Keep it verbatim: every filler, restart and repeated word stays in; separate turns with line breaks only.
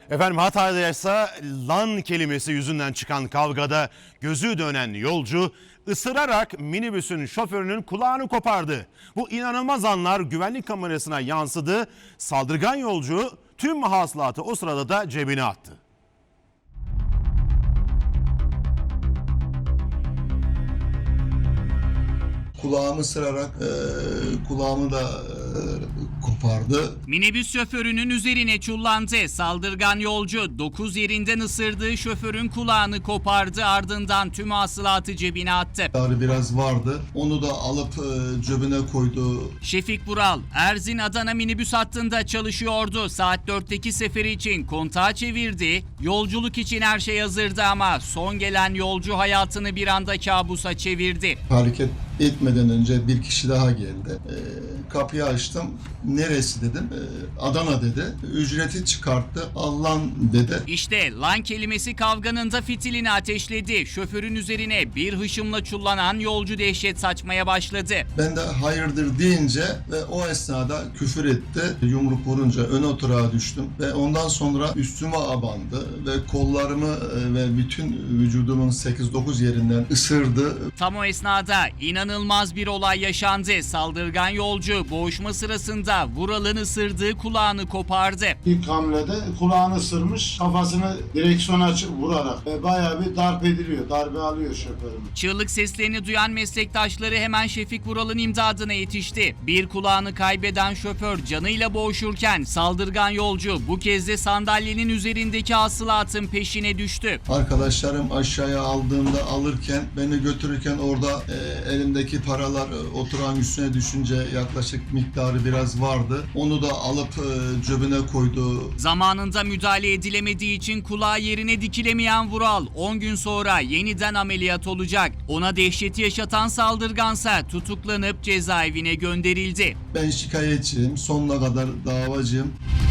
Efendim Hatay'da ise lan kelimesi yüzünden çıkan kavgada gözü dönen yolcu ısırarak minibüsün şoförünün kulağını kopardı. Bu inanılmaz anlar güvenlik kamerasına yansıdı. Saldırgan yolcu tüm hasılatı o sırada da cebine attı.
Kulağımı sırarak e, kulağımı da e, kopardı.
Minibüs şoförünün üzerine çullandı. Saldırgan yolcu dokuz yerinden ısırdığı şoförün kulağını kopardı, ardından tüm hasılatı cebine attı.
Ağrı biraz vardı. Onu da alıp e, cebine koydu.
Şefik Vural, Erzin-Adana minibüs hattında çalışıyordu. Saat dörtteki seferi için kontağı çevirdi. Yolculuk için her şey hazırdı ama son gelen yolcu hayatını bir anda kabusa çevirdi.
Hareket etmeden önce bir kişi daha geldi. E, kapıyı açtım. Neresi dedim. E, Adana dedi. Ücreti çıkarttı. Allah'ın dedi.
İşte lan kelimesi kavganın da fitilini ateşledi. Şoförün üzerine bir hışımla çullanan yolcu dehşet saçmaya başladı.
Ben de hayırdır deyince ve o esnada küfür etti. Yumruk vurunca ön oturağa düştüm ve ondan sonra üstüme abandı ve kollarımı e, ve bütün vücudumun sekiz dokuz yerinden ısırdı.
Tam o esnada inanılmaz bir olay yaşandı. Saldırgan yolcu boğuşma sırasında Vural'ın ısırdığı kulağını kopardı.
İlk hamlede kulağını ısırmış, kafasını direksiyona açıp vurarak e, bayağı bir darp ediliyor, darbe alıyor şoförüm.
Çığlık seslerini duyan meslektaşları hemen Şefik Vural'ın imdadına yetişti. Bir kulağını kaybeden şoför canıyla boğuşurken saldırgan yolcu bu kez de sandalyenin üzerindeki hasılatın peşine düştü.
Arkadaşlarım aşağıya aldığımda alırken beni götürürken orada e, elimdeki paralar e, oturan üstüne düşünce yaklaşık miktarı biraz vardı. Onu da alıp e, cebine koydu.
Zamanında müdahale edilemediği için kulağı yerine dikilemeyen Vural on gün sonra yeniden ameliyat olacak. Ona dehşeti yaşatan saldırgansa tutuklanıp cezaevine gönderildi.
Ben şikayetçiyim, sonuna kadar davacıyım.